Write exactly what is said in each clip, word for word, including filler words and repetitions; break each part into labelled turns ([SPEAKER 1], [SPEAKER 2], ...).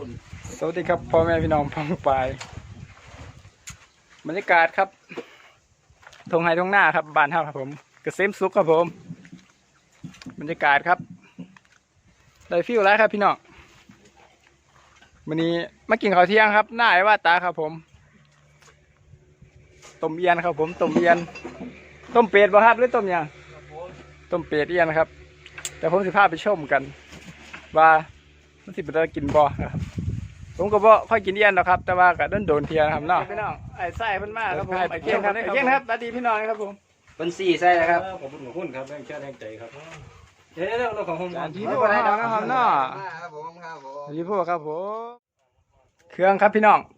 [SPEAKER 1] น
[SPEAKER 2] สวัสดีครับพ่อแม่พี่น้องพ้องปายบรรยากาศครับทงไฮทงหน้าครับบ้านเฮาครับผมเกษมสุขครับผมบรรยากาศครับได้ฟิลแล้วครับพี่น้องวันนี้มากินข้าวเที่ยงครับหน้าไอ้ว่าตาครับผมต้มเอียนครับผมต้มเอียนต้มเป็ดบ่ครับหรือต้มยังต้มเป็ดเอียนครับแต่ผมสิพาไปชมกันว่ามันสิเป็นอะไรกินบ่ครับผมก็บ่ค่อยกินเอียนหรอกครับแต่ว่าก็โดนโดนเทียนะครับเนาะพี่น้องไอ้ไส้เพิ่นมากครับผมไอ้เกี้ยงครับไอ้เกี้ยงครับสวัสดีพี่น้องครับผม
[SPEAKER 1] เป็นสี่ไส้นะครับ
[SPEAKER 3] ขอบคุณขอบคุณครับแรงเชื่อแรงใจครับเฮ้ยเรื่องเราของผม
[SPEAKER 2] พี่พวกครับครับเนาะ
[SPEAKER 1] ครับผมครับผม
[SPEAKER 2] พี่พวกครับผมเครื่องครับพี่น้อง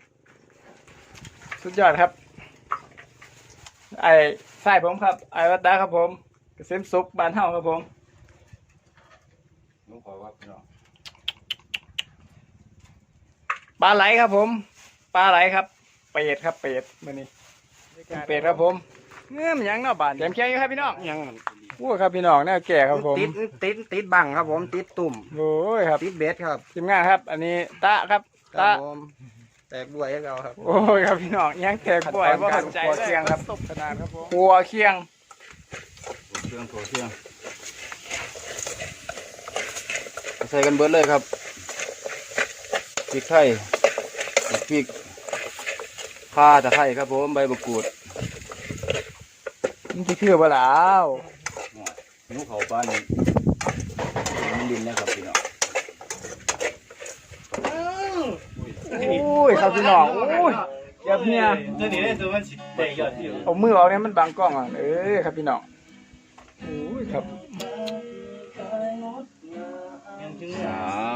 [SPEAKER 2] สุดยอดครับไอ้ไส้ผมครับไอ้วัดดาครับผมเกษมสุขบ้านเฮาครับผม
[SPEAKER 3] ผมขอว่าพี่น้อง
[SPEAKER 2] ปลาไหลครับผมปลาไหลครับเป็ดครับเป็ดมื้อนี้เป็ดครับผมเงื่อมยังเนาะบ้านแถมเคียงอยู่ครับพี่น้อง
[SPEAKER 3] ยัง
[SPEAKER 2] โอ้ครับพี่น้องแนวแก่ครับผม
[SPEAKER 1] ติดติดติดบังครับผมติดตุ่ม
[SPEAKER 2] โอ้ยครับ
[SPEAKER 1] ติดเบสครับ
[SPEAKER 2] ทีมงานครับ อันนี้ตะครับ
[SPEAKER 1] ครั
[SPEAKER 2] ตะ
[SPEAKER 1] บผมแตกด้วยให้เราครับ
[SPEAKER 2] โอ้ยครับพี่น้องยังแตกบ่อยว่าขัดใจ
[SPEAKER 1] หัวเคียงครับ
[SPEAKER 2] ตบขนาดครับผมหัวเคียง
[SPEAKER 3] เครื่องถั่วเชื่องใส่กันเบิดเลยครับพริกไทยพริกข่าตะไคร้ครับผมใบมะกรูด
[SPEAKER 2] มันที่คือบ่ล่ะอ้าว
[SPEAKER 3] นิ้วเขาปลานี่มันดินนะครับพี่น้อง
[SPEAKER 2] โอ้ยครับพี่น้องโอ้ยเดี๋ยวเนี่ย
[SPEAKER 3] ตัวนี้ตัวมันสิเตะยอดที่
[SPEAKER 2] เอามือเอาเนี่ยมันบังกล้องอ่ะเอ้ยครับพี่น้องโอ้ยครับ
[SPEAKER 3] สาม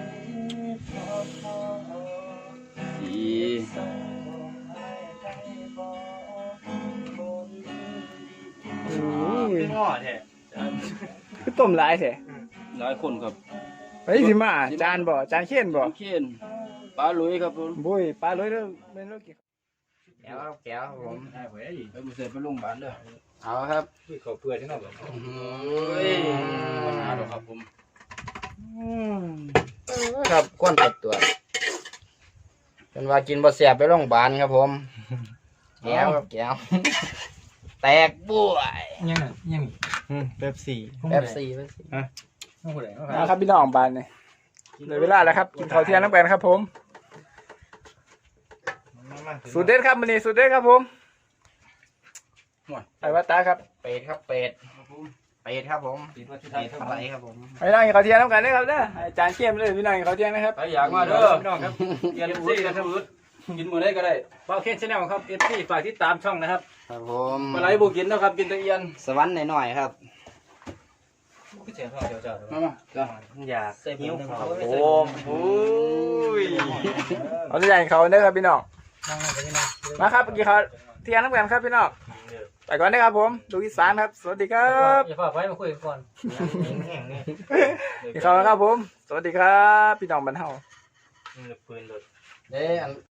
[SPEAKER 3] สี่
[SPEAKER 2] โอ้ย
[SPEAKER 3] ง้อแท้
[SPEAKER 2] คือต้มหลายแท้
[SPEAKER 3] หลายคนครับ
[SPEAKER 2] ไปสิมาจานบ่จานเขียนบ่
[SPEAKER 3] เขียนปลาลุยครับผม
[SPEAKER 2] บุ้ยปลาเลยเด้อแม่นลูกกี่
[SPEAKER 1] แก้วครับแก้วครับผม
[SPEAKER 3] ไปบุเสร็จไปโรงพยาบาลเด้อ
[SPEAKER 1] เอาครับ
[SPEAKER 3] เขาเพื่อใช่ไหมครับเฮ้ยปัญหาดอกครับผม
[SPEAKER 2] อืม
[SPEAKER 1] ครับก้นตัดตัวเป็นว่ากินบ่เสียบไปโรงพยาบาลครับผมแก้วครับแก้วแตกบุ้ย
[SPEAKER 3] ยังยัง
[SPEAKER 2] อืมเป๊ปซี่
[SPEAKER 1] แป๊บสี่แป๊บสี่
[SPEAKER 2] นะครับพี่น้องบ้านนี่เลยเวลาแล้วครับกินข้าวเที่ยงน้ำกันครับผมสูตรเด็ดครับมื้อนี้สูตรเด็ดครับผมไอ้วัดตาครับ
[SPEAKER 1] เป็ดครับเป็ดเป็ดครับผมเป็ดอะไรครับผม
[SPEAKER 2] ไปนั่งกินข้าวเที่ยงน้ำกันนะครับเด้ออาจารย์เข้มเลยพี่น้องกินข้าวเที่ยงนะครับ
[SPEAKER 3] ใครอยากมาเด้อพี่น้องครับเรียนรู้กันทั้งหมดกินมื้อใดก็ได้เป้าเคนชาแนลครับ เอฟ ซี ฝากติดตามช่องนะครับ
[SPEAKER 1] ครับผม
[SPEAKER 3] ปลาไหลบ่กินนะครับกินแตะเอียน
[SPEAKER 1] สวรรค์หน่อยๆครับ
[SPEAKER 3] มามาจ้ะ
[SPEAKER 1] อยากหิวเขา
[SPEAKER 2] โอ้โหเอาตัวอย่างเขาเด้อครับพี่น้องมาครับกินข้าวเที่ยงน้ำกันครับพี่น้องไปก่อนนะครับผมดูอีสานครับสวัสดีครับ
[SPEAKER 3] อย่าฝากไว้มาคุยกันก่อน
[SPEAKER 2] กินข้าวนะครับผมสวัสดีครับพี่น้องบ้านเฮา
[SPEAKER 1] เด้อ